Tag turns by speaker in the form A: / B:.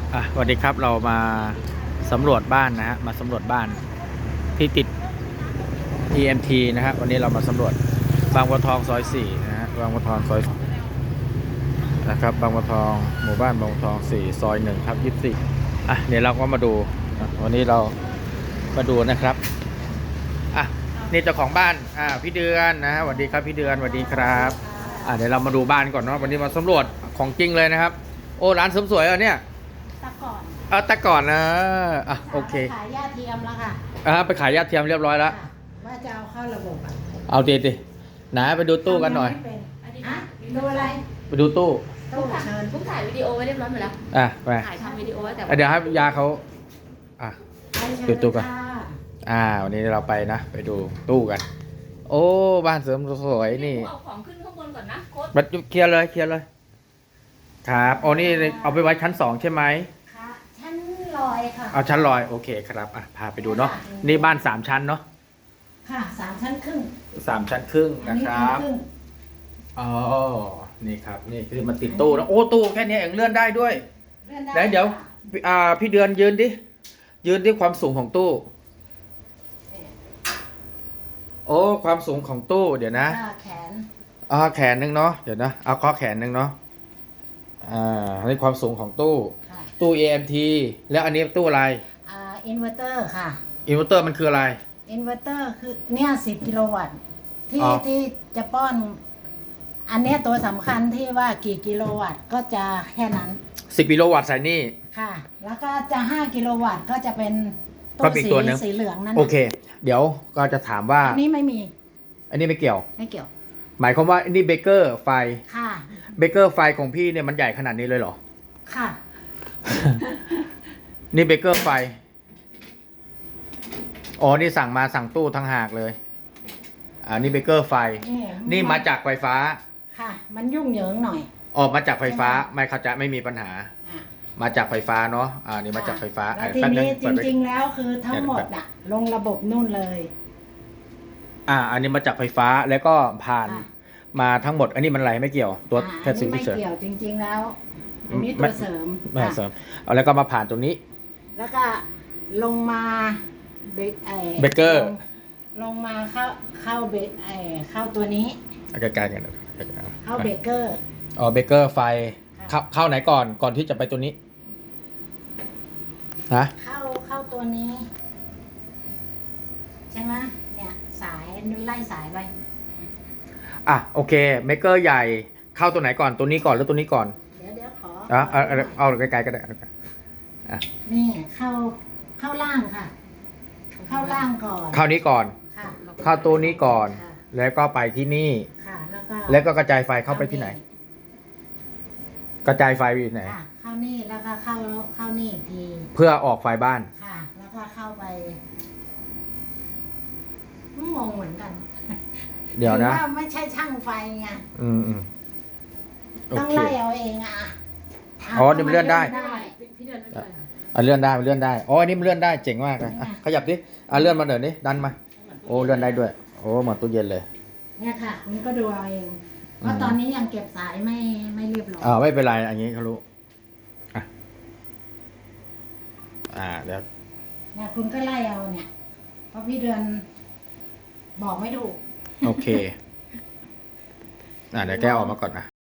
A: สวัสดีครับเรามาสำรวจบ้านนะฮะมาสำรวจบ้านที่ติด EMT นะฮะวันนี้เรามาสำรวจบางบัวทองซอย4นะฮะบางบัวทองซอยนะครับบางบัวทองหมู่บ้านบางบัวทอง4ซอย1ครับ24เดี๋ยวเราก็มาดูวันนี้เรามาดูนะครับนี่เจ้าของบ้านพี่เดือนนะฮะสวัสดีครับพี่เดือนสวัสดีครับเดี๋ยวเรามาดูบ้านก่อนเนาะวันนี้มาสำรวจของจริงเลยนะครับโอ้ร้านเสริมสวยเนี่ยแต่ก่อนนะโอเค
B: ขายยาเทียมแล้วค่ะ
A: ไปขายยาเทียมเรียบร้อยแล้ว
B: ว่าจะเอาเข้าระบบ
A: เอาดิไหนไปดูตู้กันหน่อย
B: ดูอะไร
A: ไปดูตู้
B: เชิญ
C: ผมถ่ายวิดีโอไว้เรียบร้อยหมดแล้ว
A: ไป
C: ถ่ายทำวิดีโอไว้แต่
A: เดี๋ยวให้ยาเขาดูตู้กัน
B: ค่ะ
A: วันนี้เราไปนะไปดูตู้กันโอ้บ้านเสริมสวยนี่
C: เอาของขึ้นข้างบนก่อนนะโค้ด
A: มาเคลียร์เลยครับโอ้นี่เอาไปไว้ชั้น2ใช่ไหม
B: ค่ะชั้นลอยค่ะ
A: เอาชั้นลอยโอเคครับพาไปดูเนาะนี่บ้าน3ชั้นเนาะ
B: ค่ะ3 ชั้นครึ่ง
A: 3 ชั้นครึ่งนะครับนี่ครับนี่คือมันติดตู้แล้วโอ้ตู้แค่นี้เองเลื่อนได้ด้วยแล้วเดี๋ยวพี่เดือนยืนดิความสูงของตู้โอ้ความสูงของตู้เดี๋ยวนะ
B: แขน
A: แขนนึงเนาะเดี๋ยวนะเอาข้อแขนนึงเนาะนี่ความสูงของตู้EMT แล้วอันนี้ตู้อะไร
B: อินเวอร์เตอร์ค่ะ
A: อินเวอร์เตอร์มันคืออะไร
B: อินเวอร์เตอร์คือเนี่ย10 กิโลวัตต์ที่จะป้อนอันนี้ตัวสำคัญที่ว่ากี่กิโลวัตต์ก็จะแค่นั้น
A: 10 กิโลวัตต์ใส่นี่
B: ค่ะแล้วก็จะ5 กิโลวัตต์ก็จะเป็น
A: ตัว
B: สีเหลืองนั่น
A: โอเคเดี๋ยวก็จะถามว่า
B: อันนี้ไม่มี
A: อันนี้ไม่เกี่ยว
B: ห
A: มายความว่านี่เบเกอร์ไฟ
B: ค่ะ
A: เบเกอร์ไฟของพี่เนี่ยมันใหญ่ขนาดนี้เลยเหรอ
B: ค่ะ
A: นี่เบเกอร์ไฟนี่สั่งตู้ทั้งหากเลยนี่เบเกอร์ไฟนี่มาจากไฟฟ้า
B: ค่ะมันยุ่งเหยิงหน่อย
A: มาจากไฟฟ้าไม่เข้าใจไม่มีปัญหามาจากไฟฟ้าเนาะนี่มาจากไฟฟ้า
B: ทีนี้จริงๆแล้วคือทั้งหมดลงระบบนู่นเลย
A: อันนี้มาจากไฟฟ้าแล้วก็ผ่านมาทั้งหมดอันนี้มันอะไรไม่เกี่ยวตัว
B: แค่ไม่เกี่ยวจริงๆแล้วอันนี้ตัวเสริม
A: แล้วก็มาผ่านตรงนี้
B: แล้วก็ลงมา
A: เบเกอร์
B: ลงมาเข้าตัวนี้
A: ใกล้ๆกัน
B: เข้าเบเกอร์
A: เบเกอร์ไฟเข้าไหนก่อนที่จะไปตัวนี้
B: เข้าตัวนี้ใช่ไหมเนี่ยสายไล่สายไป
A: โอเคเบเกอร์ใหญ่เข้าตัวไหนก่อนตัวนี้ก่อนหรือตัวนี้ก่อน
B: เดี๋ยวขอ
A: เอาใกล้ๆก็ได้
B: นี่เข้าล่างค่ะเข้าล่างก่อน
A: เข้านี้ก่อนเข้าตัวนี้ก่อนแล้วก็ไปที่นี่แล้วก็กระจายไฟเข้าไปที่ไหนกระจายไฟไปไหน
B: เข้านี่แล้วก็เข้านี่อีกที
A: เพื่อออกไฟบ้าน
B: ค่ะแล้วก็เข้าไปงงเหมือนกัน
A: เดี๋ยวนะ
B: ว่าไม่ใช่ช่างไฟไงต้องไล่เอาเอง
A: นี่มันเลื่อนได้
C: พี่เดือนไม่เป็น
A: ไรเลื่อนได้อันนี้มันเลื่อนได้เจ๋งมากเลยขยับดิเลื่อนมาเดี๋ยวนี้ดันมาเลื่อนได้ด้วยเหมือนตู้เย็นเลย
B: เนี่ยค่ะคุณก็ดูเอาเองเพราะตอนนี้ยังเก็บสายไม่เรียบร้อย
A: ไม่เป็นไรอันนี้เขารู้เดี๋ยว
B: เนี่ยคุณก็ไล่เอาเนี่ยเพราะพี่เดือนบอกไม่ถูก
A: โอเคเดี๋ยวแกออกมาก่อนนะ